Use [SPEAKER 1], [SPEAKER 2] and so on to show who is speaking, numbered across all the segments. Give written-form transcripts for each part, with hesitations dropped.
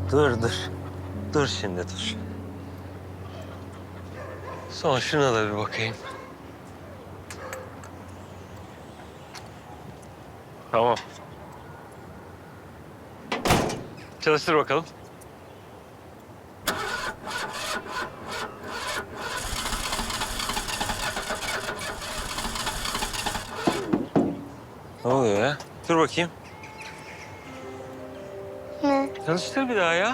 [SPEAKER 1] Dur. Dur şimdi dur. Son şuna da bir bakayım. Tamam. Çalıştır bakalım. Ne oluyor ya? Dur bakayım.
[SPEAKER 2] Ne?
[SPEAKER 1] Çalıştır bir daha ya.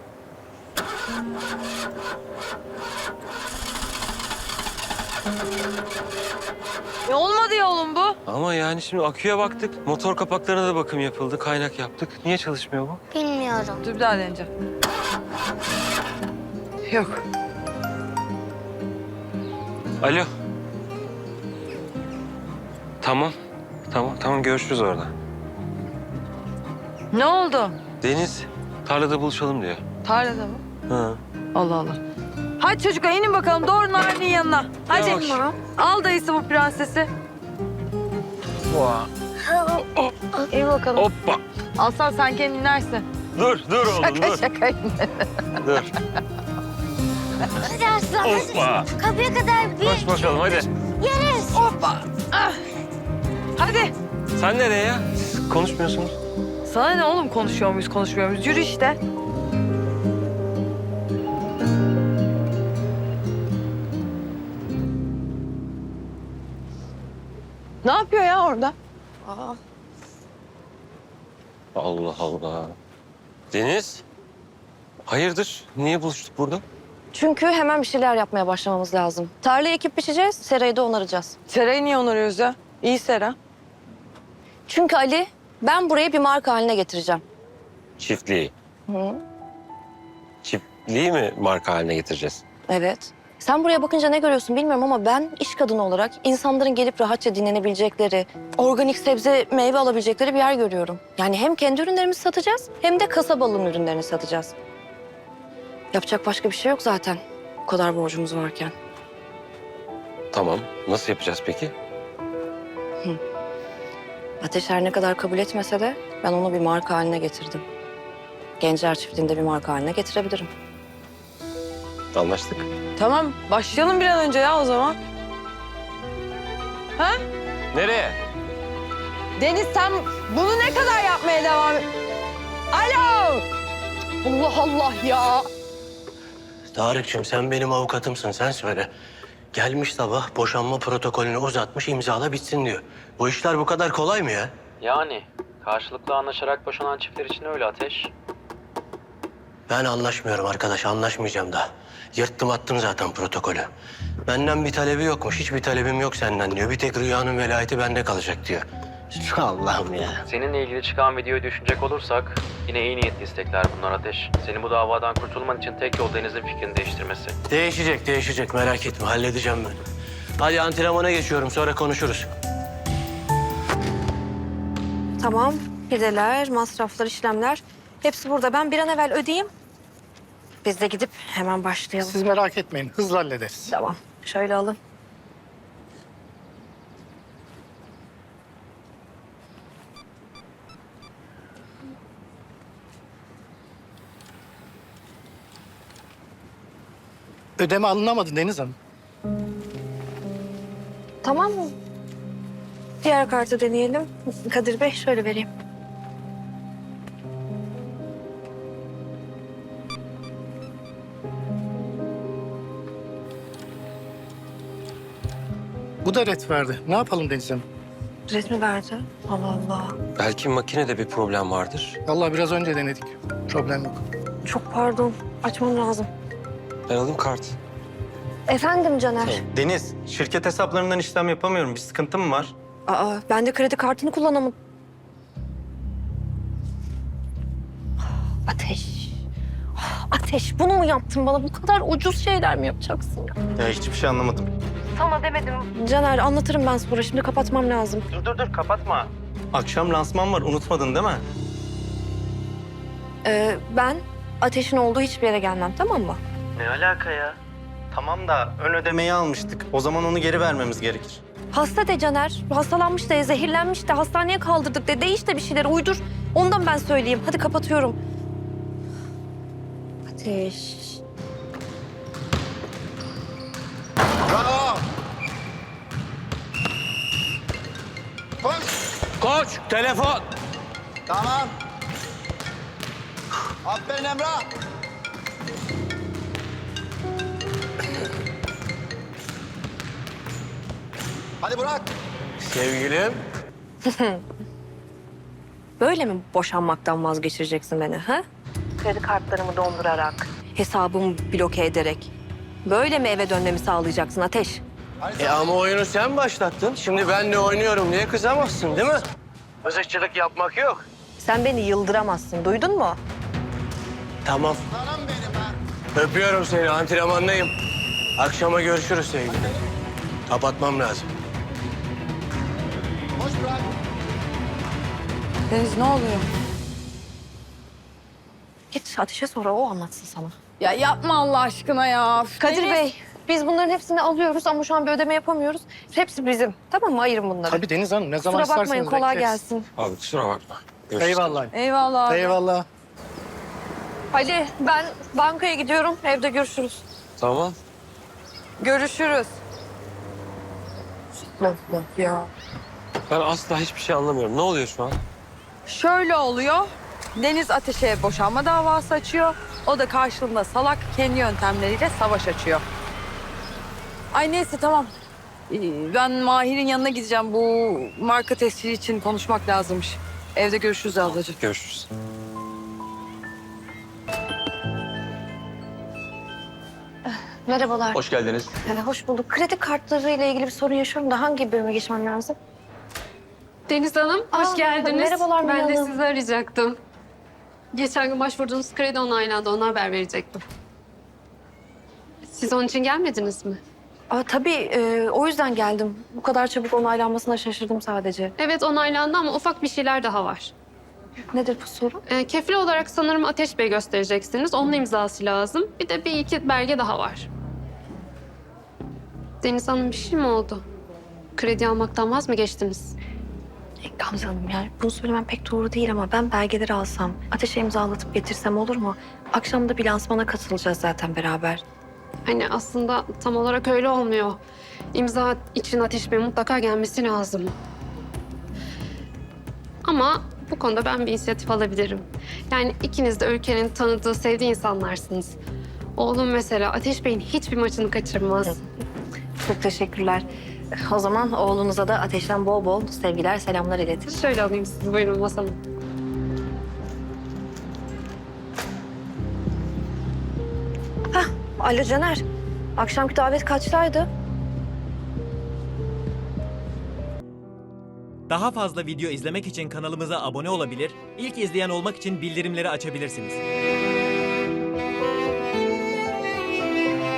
[SPEAKER 3] Olmadı ya oğlum bu.
[SPEAKER 1] Ama yani şimdi aküye baktık. Motor kapaklarına da bakım yapıldı. Kaynak yaptık. Niye çalışmıyor bu?
[SPEAKER 2] Bilmiyorum.
[SPEAKER 3] Dur bir daha deneyeceğim. Yok.
[SPEAKER 1] Alo. Tamam görüşürüz orada.
[SPEAKER 3] Ne oldu?
[SPEAKER 1] Deniz tarlada buluşalım diyor.
[SPEAKER 3] Tarlada mı?
[SPEAKER 1] Hı.
[SPEAKER 3] Allah Allah. Hadi çocuklar inin bakalım doğru Narin'in yanına. Hadi.
[SPEAKER 1] Yavaş.
[SPEAKER 3] Al dayısı bu prensesi. İyi bakalım.
[SPEAKER 1] Hoppa.
[SPEAKER 3] Aslan sen kendin inersin.
[SPEAKER 1] Dur oğlum
[SPEAKER 3] Şaka
[SPEAKER 1] dur.
[SPEAKER 3] şaka.
[SPEAKER 1] Dur.
[SPEAKER 2] Hadi aslan
[SPEAKER 1] Hoppa.
[SPEAKER 2] hadi. Kapıya kadar bir
[SPEAKER 1] Koş bakalım hadi.
[SPEAKER 2] yeriz.
[SPEAKER 3] Hoppa. Ah. Hadi.
[SPEAKER 1] Sen nereye ya? Siz konuşmuyorsunuz.
[SPEAKER 3] Sana ne oğlum konuşuyor muyuz? Yürü işte. Ne yapıyor ya orada?
[SPEAKER 1] Allah Allah. Deniz. Hayırdır? Niye buluştuk burada?
[SPEAKER 4] Çünkü hemen bir şeyler yapmaya başlamamız lazım. Tarlayı ekip biçeceğiz, serayı da onaracağız.
[SPEAKER 3] Serayı niye onarıyoruz ya? İyi sera.
[SPEAKER 4] Çünkü Ali, ben burayı bir marka haline getireceğim.
[SPEAKER 1] Çiftliği.
[SPEAKER 4] Hı.
[SPEAKER 1] Çiftliği mi marka haline getireceğiz?
[SPEAKER 4] Evet. Sen buraya bakınca ne görüyorsun bilmiyorum ama ben iş kadını olarak insanların gelip rahatça dinlenebilecekleri, organik sebze, meyve alabilecekleri bir yer görüyorum. Yani hem kendi ürünlerimizi satacağız hem de kasabalının ürünlerini satacağız. Yapacak başka bir şey yok zaten. Bu kadar borcumuz varken.
[SPEAKER 1] Tamam. Nasıl yapacağız peki?
[SPEAKER 4] Ateş her ne kadar kabul etmese de ben onu bir marka haline getirdim. Gencer çiftliğinde bir marka haline getirebilirim.
[SPEAKER 1] Anlaştık.
[SPEAKER 3] Tamam başlayalım bir an önce ya o zaman. Ha?
[SPEAKER 1] Nereye?
[SPEAKER 3] Deniz sen bunu ne kadar yapmaya devam et? Alo! Allah Allah ya.
[SPEAKER 5] Tarık'cığım sen benim avukatımsın, sen söyle. Gelmiş sabah boşanma protokolünü uzatmış, imzala bitsin diyor. Bu işler bu kadar kolay mı ya?
[SPEAKER 6] Yani karşılıklı anlaşarak boşanan çiftler için öyle Ateş.
[SPEAKER 5] Ben anlaşmıyorum arkadaş, anlaşmayacağım da. Yırttım attım zaten protokolü. Benden bir talebi yokmuş, hiçbir talebim yok senden diyor. Bir tek Rüya'nın velayeti bende kalacak diyor. Allah'ım ya.
[SPEAKER 6] Seninle ilgili çıkan videoyu düşünecek olursak yine iyi niyetli istekler bunlar Ateş. Senin bu davadan kurtulman için tek yol Deniz'in fikrini değiştirmesi.
[SPEAKER 5] Değişecek merak etme, halledeceğim ben. Hadi antrenmana geçiyorum, sonra konuşuruz.
[SPEAKER 4] Tamam, pideler, masraflar, işlemler hepsi burada. Ben bir an evvel ödeyeyim. Biz de gidip hemen başlayalım.
[SPEAKER 7] Siz merak etmeyin, hızlı hallederiz.
[SPEAKER 4] Tamam, şöyle alın.
[SPEAKER 7] Ödeme alınamadı Deniz Hanım.
[SPEAKER 4] Tamam mı? Diğer kartı deneyelim. Kadir Bey şöyle vereyim.
[SPEAKER 7] Bu da ret verdi. Ne yapalım Deniz Hanım?
[SPEAKER 4] Resmi verdi. Allah Allah.
[SPEAKER 1] Belki makinede bir problem vardır.
[SPEAKER 7] Vallahi biraz önce denedik. Problem yok.
[SPEAKER 4] Çok pardon. Açmam lazım.
[SPEAKER 1] Ben alayım kart.
[SPEAKER 4] Efendim Caner.
[SPEAKER 8] Deniz, şirket hesaplarından işlem yapamıyorum. Bir sıkıntı mı var?
[SPEAKER 4] Aa, ben de kredi kartını kullanamadım. Ateş. Ateş, bunu mu yaptın bana? Bu kadar ucuz şeyler mi yapacaksın ya?
[SPEAKER 8] Ya hiçbir şey anlamadım.
[SPEAKER 4] Sana demedim. Caner, anlatırım ben sonra. Şimdi kapatmam lazım.
[SPEAKER 8] Dur kapatma. Akşam lansman var, unutmadın değil mi?
[SPEAKER 4] Ben Ateş'in olduğu hiçbir yere gelmem, tamam mı?
[SPEAKER 8] Ne alaka ya? Tamam da ön ödemeyi almıştık. O zaman onu geri vermemiz gerekir.
[SPEAKER 4] Hasta de Caner. Hastalanmış de, zehirlenmiş de, hastaneye kaldırdık de. De işte bir şeyler uydur. Ondan ben söyleyeyim. Hadi kapatıyorum. Ateş.
[SPEAKER 9] Bravo. Koş.
[SPEAKER 5] Koç, telefon.
[SPEAKER 9] Tamam. Aferin Emrah. Hadi Burak.
[SPEAKER 5] Sevgilim.
[SPEAKER 4] Böyle mi boşanmaktan vazgeçireceksin beni ha? Kredi kartlarımı dondurarak, hesabımı bloke ederek. Böyle mi eve dönmemi sağlayacaksın Ateş?
[SPEAKER 5] Ama oyunu sen başlattın. Şimdi ben de oynuyorum diye kızamazsın değil mi? Mızıkçılık yapmak yok.
[SPEAKER 4] Sen beni yıldıramazsın, duydun mu?
[SPEAKER 5] Tamam.
[SPEAKER 9] Canım benim ha.
[SPEAKER 5] Öpüyorum seni. Antrenmandayım. Akşama görüşürüz sevgilim. Kapatmam lazım.
[SPEAKER 9] Koş Burak.
[SPEAKER 3] Deniz ne oluyor?
[SPEAKER 4] Git Ateş'e sonra o anlatsın sana.
[SPEAKER 3] Ya yapma Allah aşkına ya.
[SPEAKER 4] Kadir
[SPEAKER 3] Deniz.
[SPEAKER 4] Bey, biz bunların hepsini alıyoruz ama şu an bir ödeme yapamıyoruz. Hepsi bizim. Tamam mı? Ayırın bunları.
[SPEAKER 7] Tabii Deniz Hanım ne zaman
[SPEAKER 4] Kusura
[SPEAKER 7] isterseniz
[SPEAKER 4] bakmayın, kolay
[SPEAKER 7] bekleriz.
[SPEAKER 4] gelsin.
[SPEAKER 1] Abi kusura bakma. Görüşürüz.
[SPEAKER 7] Eyvallah.
[SPEAKER 3] Eyvallah abi.
[SPEAKER 7] Eyvallah.
[SPEAKER 4] Ali, ben bankaya gidiyorum. Evde görüşürüz.
[SPEAKER 1] Tamam.
[SPEAKER 3] Görüşürüz. Ya.
[SPEAKER 1] Ben asla hiçbir şey anlamıyorum. Ne oluyor şu an?
[SPEAKER 3] Şöyle oluyor. Deniz Ateş'e boşanma davası açıyor. O da karşılığında salak kendi yöntemleriyle savaş açıyor. Ay neyse tamam. Ben Mahir'in yanına gideceğim. Bu marka tescili için konuşmak lazımmış. Evde görüşürüz ablacığım.
[SPEAKER 1] Görüşürüz.
[SPEAKER 4] Merhabalar.
[SPEAKER 10] Hoş geldiniz.
[SPEAKER 4] Hoş bulduk. Kredi kartları ile ilgili bir sorun yaşıyorum da hangi bölüme geçmem lazım?
[SPEAKER 11] Deniz Hanım, hoş
[SPEAKER 4] Aa,
[SPEAKER 11] geldiniz.
[SPEAKER 4] merhabalar
[SPEAKER 11] Ben de
[SPEAKER 4] Mine Hanım.
[SPEAKER 11] sizi arayacaktım. Geçen gün başvurduğunuz kredi onaylandı, ona haber verecektim. Siz onun için gelmediniz mi?
[SPEAKER 4] Tabii, o yüzden geldim. Bu kadar çabuk onaylanmasına şaşırdım sadece.
[SPEAKER 11] Evet, onaylandı ama ufak bir şeyler daha var.
[SPEAKER 4] Nedir bu sorun?
[SPEAKER 11] Kefil olarak sanırım Ateş Bey göstereceksiniz. Onun imzası lazım. Bir de bir iki belge daha var. Deniz Hanım, bir şey mi oldu? Kredi almaktan vaz mı geçtiniz?
[SPEAKER 4] Gamze Hanım, yani bunu söylemem pek doğru değil ama ben belgeleri alsam, Ateş'e imzalatıp getirsem olur mu? Akşam da bir lansmana katılacağız zaten beraber.
[SPEAKER 11] Hani aslında tam olarak öyle olmuyor. İmza için Ateş Bey mutlaka gelmesi lazım. Ama bu konuda ben bir inisiyatif alabilirim. Yani ikiniz de ülkenin tanıdığı, sevdiği insanlarsınız. Oğlum mesela Ateş Bey'in hiçbir maçını kaçırmaz.
[SPEAKER 4] Çok teşekkürler. O zaman oğlunuza da Ateş'ten bol bol sevgiler, selamlar iletin.
[SPEAKER 11] Şöyle alayım sizi, buyurun masama.
[SPEAKER 4] Alo Caner, akşamki davet kaçtaydı?
[SPEAKER 12] Daha fazla video izlemek için kanalımıza abone olabilir, ilk izleyen olmak için bildirimleri açabilirsiniz.